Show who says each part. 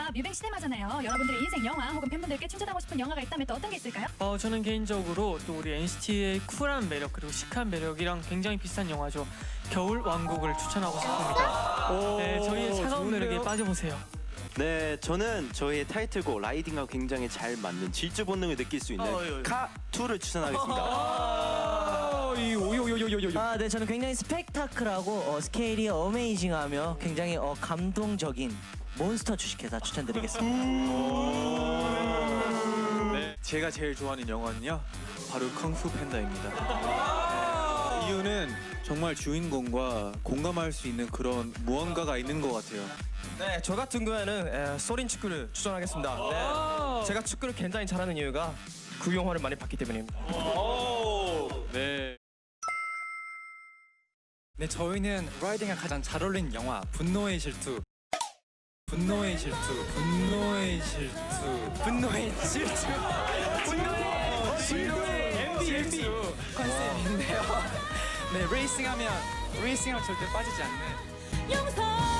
Speaker 1: 저희가 뮤뱅 시네마잖아요. 여러분들의 인생 영화 혹은 팬분들께 추천하고 싶은 영화가 있다면 또 어떤 게 있을까요?
Speaker 2: 저는 개인적으로 또 우리 NCT의 쿨한 매력 그리고 시크한 매력이랑 굉장히 비슷한 영화죠. 겨울 왕국을 추천하고 싶습니다. 네, 저희의 차가운 매력에 빠져보세요.
Speaker 3: 네, 저는 저희의 타이틀곡 라이딩과 굉장히 잘 맞는 질주 본능을 느낄 수 있는 카2를 추천하겠습니다.
Speaker 4: 네, 저는 굉장히 스펙타클하고 스케일이 어메이징하며 굉장히 감동적인 몬스터 주식회사 추천드리겠습니다.
Speaker 5: 네, 제가 제일 좋아하는 영화는요, 바로 쿵푸 팬다입니다. 이유는 정말 주인공과 공감할 수 있는 그런 무언가가 있는 것 같아요.
Speaker 6: 네, 저 같은 경우에는 소린 축구를 추천하겠습니다. 네, 제가 축구를 굉장히 잘하는 이유가 그 영화를 많이 봤기 때문입니다.
Speaker 5: 네.
Speaker 7: 네, 저희는 라이딩에 가장 잘 어울리는 영화 분노의 질투. 분노의 질투. 분노의 질투. 분노의 질투. 분노의 질투 컨셉인데요. 네, 레이싱하면 절대 빠지지 않는.
Speaker 1: 용서